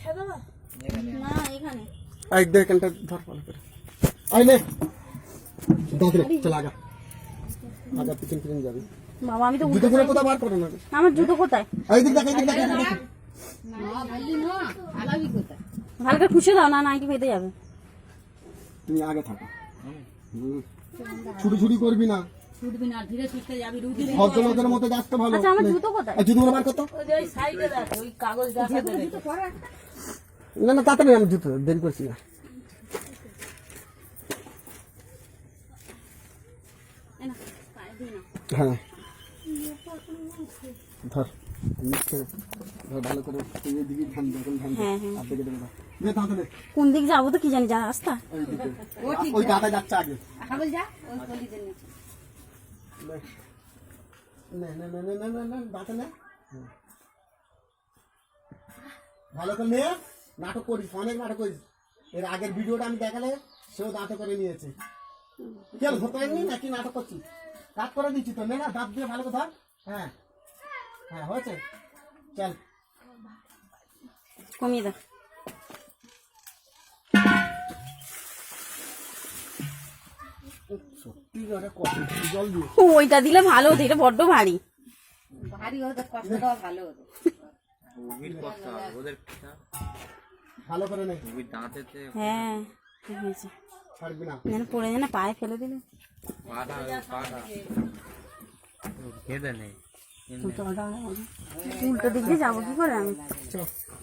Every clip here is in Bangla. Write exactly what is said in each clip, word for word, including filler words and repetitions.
না এখানে আই দেখ এখানটা ধর ভালো করে আই নে দাদরে চল আগা আগা পিছন পিছন যাবি বাবা আমি তো জুতো গুলো কোথা বার করো না আমার জুতো কোথায় এই দিক দেখ এই দিক দেখ এই দিক দেখ না বললি না আলাবি কোথায় ভালো করে খুশি দাও না নাইটি পেতে যাবে তুমি আগে থাকো ছুটি ছুটি করবি না ছুটবি না ধীরে সুস্থে যাবি রুটি ভদ্রলোকের মতো যাস তো ভালো আচ্ছা আমার জুতো কোথায় এই জুতোগুলো বার করতো ওই সাইডে দেখ ওই কাগজ গাছা দেবে না না তাড়াতাড়ি আমি জুতো দেরি করছি না এই না পায়ে দিই না হ্যাঁ ধর নিচে ধর ভালো করে এই দিকে ধান দে ধান দে হ্যাঁ হ্যাঁ আর দেখে দেবে নে ধান দে কোন দিক যাবো তো কি জানি যা রাস্তা ওই দিকে ওই দাদা যাচ্ছে আগে কাগজ যা ওই গলিতে নিচে নে নে নে নে নে নে নে দাঁতে নে ভালো করে নে নাটক করিস অনেক নাটক করিস এর আগের ভিডিওটা আমি দেখালে সেও দাঁতে করে নিয়েছে কেন ধরতে পারিনি নাকি নাটক করছি কাট করে দিচ্ছি তো নে না দাঁত দিয়ে ভালো করে ধর হ্যাঁ হ্যাঁ হয়েছে চল কমিয়ে দাও সত্যি করে কত জল দিয়ে ওইটা দিলে ভালো হতো এটা বড্ড ভারী ভারী হতো কষ্টটাও ভালো হতো ভালো করে নে হ্যাঁ ঠিক হয়েছে ছাড়বি না যেন পড়ে যেন পায়ে ফেলে দিলে উল্টো দিক দিয়ে যাবো কি করে আমি চ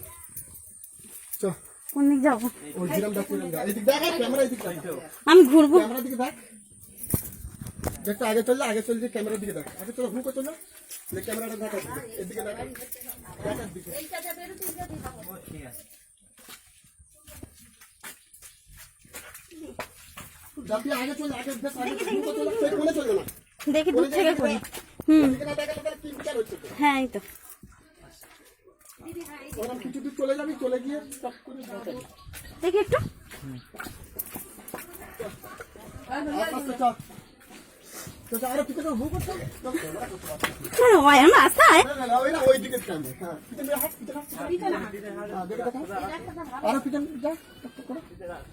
চ কোন দিক যাবো ওই জিরাম দেখ জিরাম দেখ এদিক দেখ ক্যামেরা এদিক দেখ আমি ঘুরবো ক্যামেরা দিকে দেখ দেখতে আগে চললে আগে চললে ক্যামেরার দিকে দেখ আগে চলো হুক চলো লে ক্যামেরাটা দেখ এদিকে দেখ দেখার দিকে যাবি আগে চল আগে দেখ আগে হুক চলো সেই কোণে চলো না দেখি দূর থেকে করি হুম এদিকে না দেখালে তাহলে কি বিচার হচ্ছে হ্যাঁ এই তো ওরা কিছু দূর চলে যাবি চলে গিয়ে সব করে দেখাবি দেখি একটু আস্তে চল তো আরে কিছু তো হুক চল হ্যাঁ ভাই আমি আসায় না না ওই না ওই দিকে ক্যামেরা হ্যাঁ পিছনে হাত পিছনে হাত হ্যাঁ দেখে দেখা আরে পিছনে যা টক করে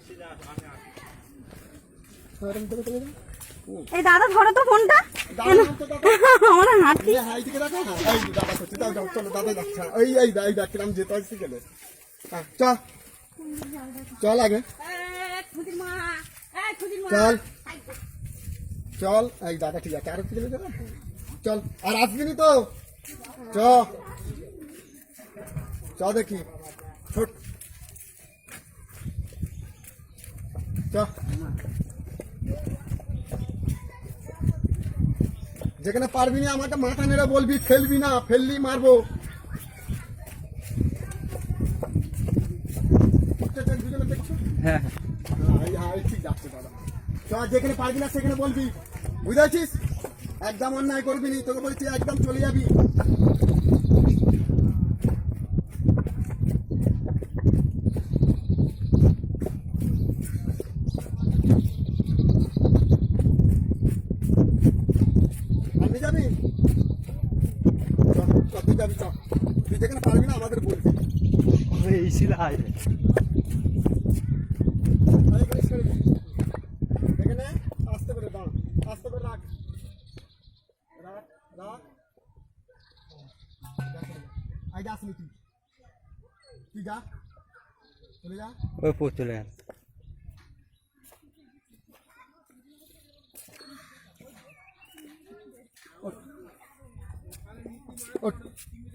আরে দেখে চলে যা এই দাদা ধরো তো ফোনটা আমার হাঁটছি হ্যাঁ এইদিকে দেখা হ্যাঁ এই দাদা করছে দাও যাও চলো দাদা যাচ্ছে এই এই এই দেখলাম যেতে আসছি গেলে হ্যাঁ চল চল আগে চল চল এই দাদা ঠিক আছে আর একটু গেলে যাবে চল আর আসবি নি তো চ চ দেখি ছোট চ যেখানে পারবি না আমাকে মাথা নেড়ে বলবি ফেলবি না ফেললি মারবো দেখছো হ্যাঁ হ্যাঁ ঠিক যাচ্ছে দাদা চ যেখানে পারবি না সেখানে বলবি বুঝেছিস একদম অন্যায় করবি নি তোকে বলছি একদম চলে যাবি আপনি যাবি তুই যাবি চ তুই যেখানে পারবি না আমাদের বলবি এই ছিল এখানে আস্তে করে দাঁড় আস্তে করে রাখ রাখ রাখ আই যাস নি তুই তুই যা চলে যা ওই পথ চলে গেল ওঠ